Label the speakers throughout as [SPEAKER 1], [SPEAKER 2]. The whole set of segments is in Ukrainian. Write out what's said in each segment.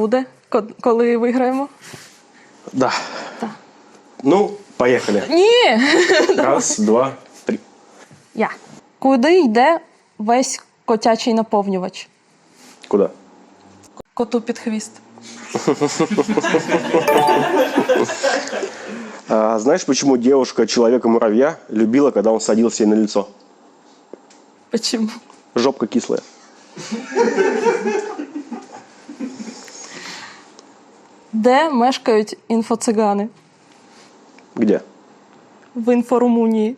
[SPEAKER 1] буде, коли виграємо?
[SPEAKER 2] Да.
[SPEAKER 1] Так.
[SPEAKER 2] Ну, поехали.
[SPEAKER 1] Ні!
[SPEAKER 2] Раз, два, три.
[SPEAKER 1] Я. Куди йде весь котячий наповнювач?
[SPEAKER 2] Куда?
[SPEAKER 1] Коту під хвіст.
[SPEAKER 2] Знаешь, почему девушка человека-муравья любила, когда он садился ей на лицо?
[SPEAKER 1] Почему?
[SPEAKER 2] Жопка кислая.
[SPEAKER 1] Де мешкають інфоцигани?
[SPEAKER 2] Где?
[SPEAKER 1] В інфорумунії.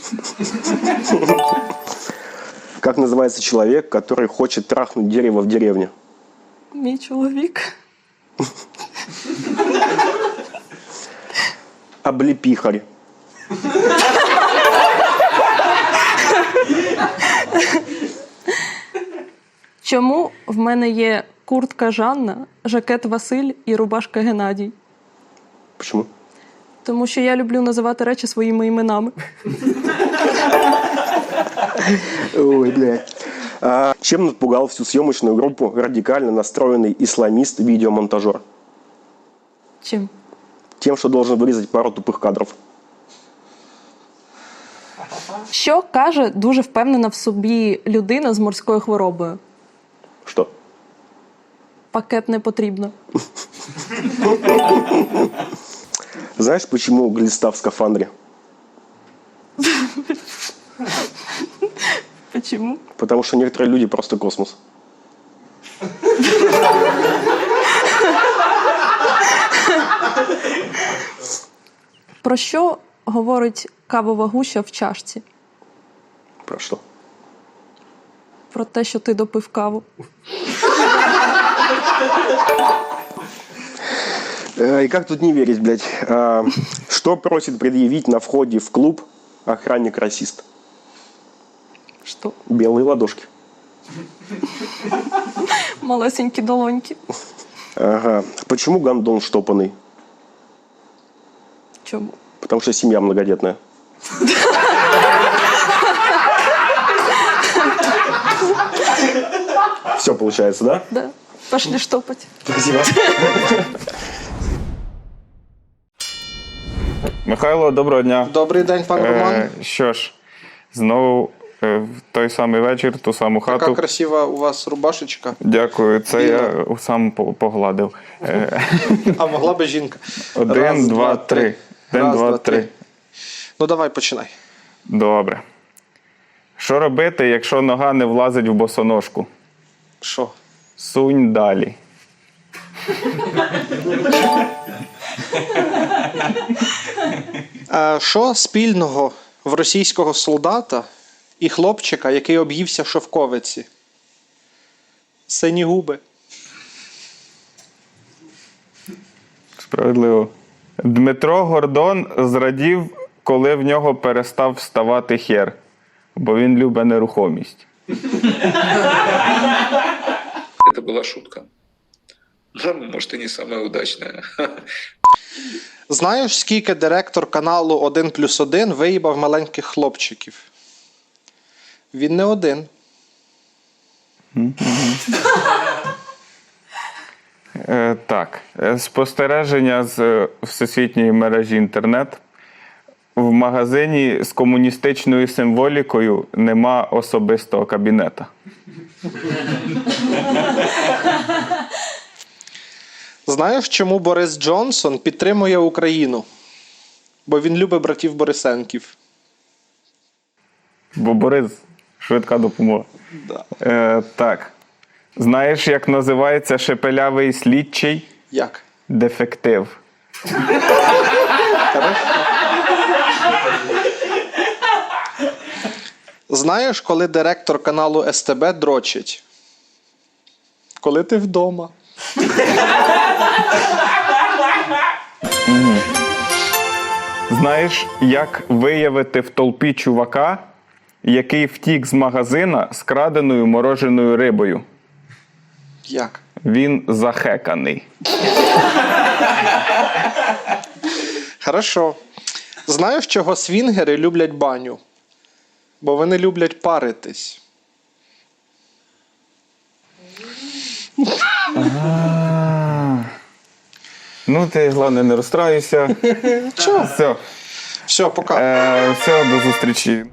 [SPEAKER 2] Как называется человек, который хочет трахнуть дерево в деревне?
[SPEAKER 1] Мій чоловік.
[SPEAKER 2] Облепихарь.
[SPEAKER 1] Чому в мене є куртка Жанна, жакет Василь і рубашка Геннадій?
[SPEAKER 2] Почему?
[SPEAKER 1] Тому що я люблю називати речі своїми іменами.
[SPEAKER 2] Ой, блядь. Чем напугал всю съемочную группу радикально настроенный исламист-видеомонтажер?
[SPEAKER 1] Чим?
[SPEAKER 2] Тем, что должен вырезать пару тупых кадров.
[SPEAKER 1] Що каже дуже впевнена в собі людина з морською хворобою?
[SPEAKER 2] Что?
[SPEAKER 1] Пакет не потрібно.
[SPEAKER 2] Знаешь, почему глиста в скафандре?
[SPEAKER 1] Чому?
[SPEAKER 2] Потому что некоторые люди просто космос.
[SPEAKER 1] Про що говорить кавова гуща в чашці?
[SPEAKER 2] Про что?
[SPEAKER 1] Про те, що ти допив каву.
[SPEAKER 2] И как тут не верить, блядь? Что просит предъявить на входе в клуб охранник-расист?
[SPEAKER 1] Що?
[SPEAKER 2] Белые ладошки.
[SPEAKER 1] Малесенькі долоньки.
[SPEAKER 2] Ага. Почему гондон штопанный?
[SPEAKER 1] Чому?
[SPEAKER 2] Потому что семья многодетная. Все получается, да?
[SPEAKER 1] Да. Пошли штопать.
[SPEAKER 2] Спасибо.
[SPEAKER 3] Михайло, доброго дня.
[SPEAKER 4] Добрий день, пан Роман.
[SPEAKER 3] Що ж, знову в той самий вечір, ту саму хату.
[SPEAKER 4] Така красива у вас рубашечка.
[SPEAKER 3] Дякую, це я сам погладив.
[SPEAKER 4] А могла би жінка.
[SPEAKER 3] Один, два, три. Один, два, три.
[SPEAKER 4] Ну давай, починай.
[SPEAKER 3] Добре. Що робити, якщо нога не влазить в босоножку?
[SPEAKER 4] Що?
[SPEAKER 3] Сунь далі.
[SPEAKER 4] Що спільного в російського солдата і хлопчика, який об'ївся в шовковиці? Сині губи.
[SPEAKER 3] Справедливо. Дмитро Гордон зрадів, коли в нього перестав вставати хер, бо він любить нерухомість.
[SPEAKER 5] Это была шутка. Да, может, и не самая удачная.
[SPEAKER 4] Знаєш, скільки директор каналу 1+1 виїбав маленьких хлопчиків? Він не один.
[SPEAKER 3] Так. Спостереження з всесвітньої мережі інтернет. В магазині з комуністичною символікою нема особистого кабінета.
[SPEAKER 4] Знаєш, чому Борис Джонсон підтримує Україну? Бо він любить братів Борисенків.
[SPEAKER 3] Бо Борис – швидка допомога.
[SPEAKER 4] Да.
[SPEAKER 3] Так. Знаєш, як називається шепелявий слідчий?
[SPEAKER 4] Як?
[SPEAKER 3] Дефектив.
[SPEAKER 4] Знаєш, коли директор каналу СТБ дрочить? Коли ти вдома.
[SPEAKER 3] Знаєш, як виявити в толпі чувака, який втік з магазина з краденою мороженою рибою?
[SPEAKER 4] Як?
[SPEAKER 3] Він захеканий.
[SPEAKER 4] Хорошо. Знаєш, чого свінгери люблять баню? Бо вони люблять паритись.
[SPEAKER 3] Ну, ти, головне, не розстраюйся.
[SPEAKER 4] Чого?
[SPEAKER 3] Все.
[SPEAKER 4] Все, пока.
[SPEAKER 3] Все, до зустрічі.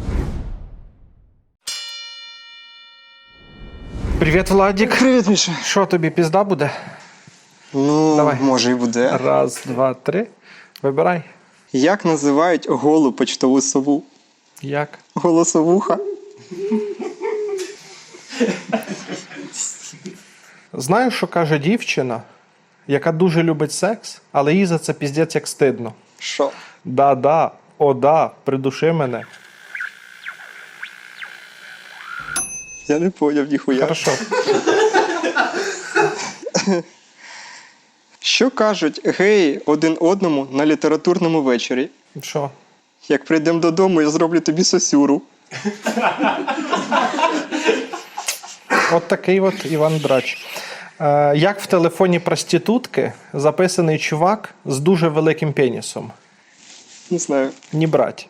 [SPEAKER 4] Привіт, Владік.
[SPEAKER 6] Привіт, Міша.
[SPEAKER 4] Що тобі, пізда буде?
[SPEAKER 6] Ну,
[SPEAKER 4] Давай.
[SPEAKER 6] може і буде.
[SPEAKER 4] Раз, два, три. Вибирай.
[SPEAKER 6] Як називають голу почтову сову?
[SPEAKER 4] Як?
[SPEAKER 6] Голосовуха.
[SPEAKER 4] Знаєш, що каже дівчина, яка дуже любить секс, але їй за це піздець як стидно.
[SPEAKER 6] Що?
[SPEAKER 4] Да-да, о да, придуши мене.
[SPEAKER 6] Я не поняв ніхуя.
[SPEAKER 4] Хорошо.
[SPEAKER 6] Що кажуть геї один одному на літературному вечорі?
[SPEAKER 4] Що?
[SPEAKER 6] Як прийдемо додому, я зроблю тобі сосюру.
[SPEAKER 4] От такий от Іван Драч. Як в телефоні проститутки записаний чувак з дуже великим пенісом?
[SPEAKER 6] Не знаю.
[SPEAKER 4] Не брать.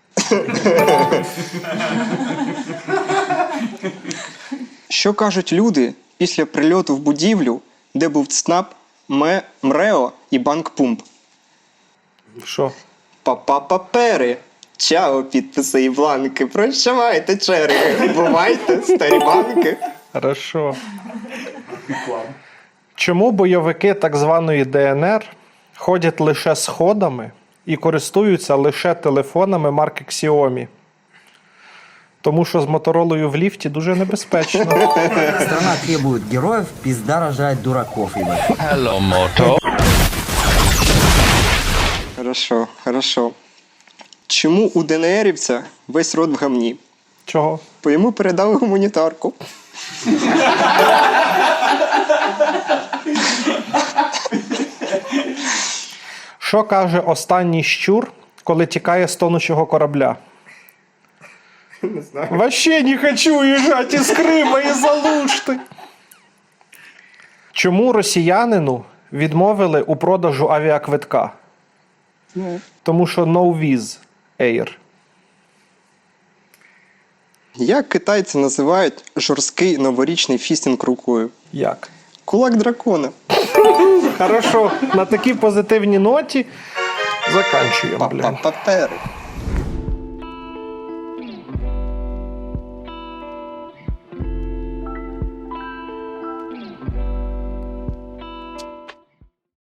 [SPEAKER 6] Що кажуть люди після прильоту в будівлю, де був ЦНАП, МРЕО і банк Пумп?
[SPEAKER 4] Що?
[SPEAKER 6] Папери. Чао, підписи і бланки. Прощавайте, черги. Бувайте, старі банки.
[SPEAKER 4] Хорошо. Чому бойовики так званої ДНР ходять лише сходами і користуються лише телефонами марки Xiaomi? Тому що з Моторолою в ліфті дуже небезпечно.
[SPEAKER 7] Страна требует героев, пизда рожает дураков, ебать.
[SPEAKER 6] Хорошо. Чому у ДНРівця весь рот в гамні?
[SPEAKER 4] Чого?
[SPEAKER 6] Бо йому передали гуманітарку.
[SPEAKER 4] Що каже останній щур, коли тікає з тонучого корабля? Не знаю. Вообще не хочу уїжджати із Крима і Залушти. Чому росіянину відмовили у продажу авіаквитка? Тому що no viz air.
[SPEAKER 6] Як китайці називають жорсткий новорічний фістінг рукою?
[SPEAKER 4] Як?
[SPEAKER 6] Кулак дракона.
[SPEAKER 4] Хорошо, на такій позитивній ноті заканчуємо, блін.
[SPEAKER 6] Папери.